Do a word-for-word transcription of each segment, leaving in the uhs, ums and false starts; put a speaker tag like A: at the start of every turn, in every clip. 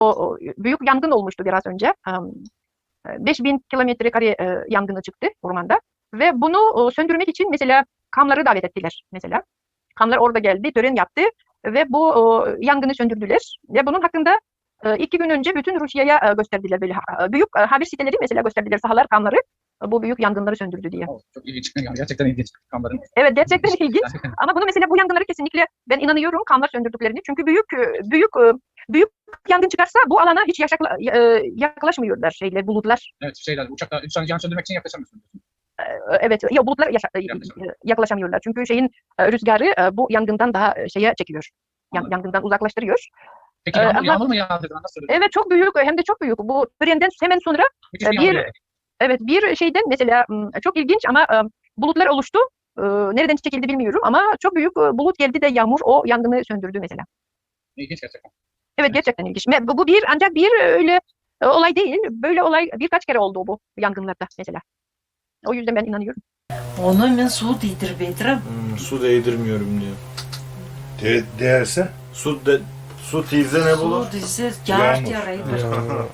A: o büyük yangın olmuştu biraz önce. beş bin kilometre kare yangını çıktı ormanda ve bunu söndürmek için mesela Kamları davet ettiler mesela. Kamlar orada geldi, tören yaptı ve bu yangını söndürdüler. Ve bunun hakkında iki gün önce bütün Rusya'ya gösterdiler böyle büyük haber siteleri mesela gösterdiler sahalar Kamları bu büyük yangınları söndürdü diye.
B: Oh, çok ilginç. Yani gerçekten ilginç Kamların.
A: Evet gerçekten ilginç. Ama bunu mesela bu yangınları kesinlikle ben inanıyorum Kamlar söndürdüklerini. Çünkü büyük büyük büyük yangın çıkarsa bu alana hiç yaşakla, yaklaşmıyorlar şeyler bulutlar.
B: Evet şeyler uçakta yan söndürmek için yaklaşamıyorsun.
A: Evet ya bulutlar yaşa, yaklaşamıyorlar. Çünkü şeyin rüzgarı bu yangından daha şeye çekiyor. Yan, yangından uzaklaştırıyor.
B: Peki yağmur,
A: Ama,
B: yağmur mu yağdı? Nasıl?
A: Evet çok büyük hem de çok büyük. Bu törenden hemen sonra
B: Müthiş bir,
A: bir evet bir şeyden mesela çok ilginç ama bulutlar oluştu. Nereden çekildi bilmiyorum ama çok büyük bulut geldi de yağmur o yangını söndürdü mesela.
B: İlginç gerçekten.
A: Evet gerçekten ilginç. Bu, bu bir ancak bir öyle olay değil. Böyle olay birkaç kere oldu bu yangınlarda mesela. O yüzden ben inanıyorum.
C: Onu hemen su değdir Bedrim.
D: Hmm, su değdirmiyorum diyor.
E: De değerse?
D: Su de su teyze ne bulur?
C: Su değse car
E: Yağmur.
C: yaraydır.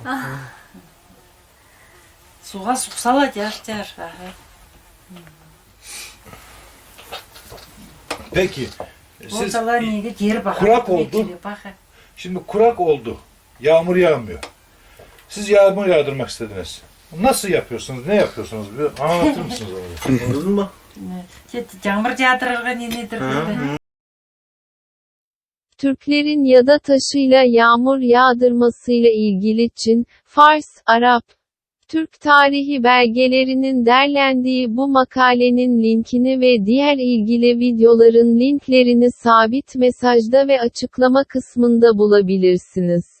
C: Suğa suksala car car.
E: Peki. Siz
C: Ortalar neydi? Geri bakın.
E: kurak oldu. Şimdi kurak oldu. Yağmur yağmıyor. Siz yağmur yağdırmak istediniz. Nasıl yapıyorsunuz? Ne yapıyorsunuz? Bir anlatır mısınız onu?
D: Anladın mı?
C: Yağmur yağdırırga nedir?
F: Türklerin yada taşıyla yağmur yağdırmasıyla ilgili Çin, Fars, Arap, Türk tarihi belgelerinin derlendiği bu makalenin linkini ve diğer ilgili videoların linklerini sabit mesajda ve açıklama kısmında bulabilirsiniz.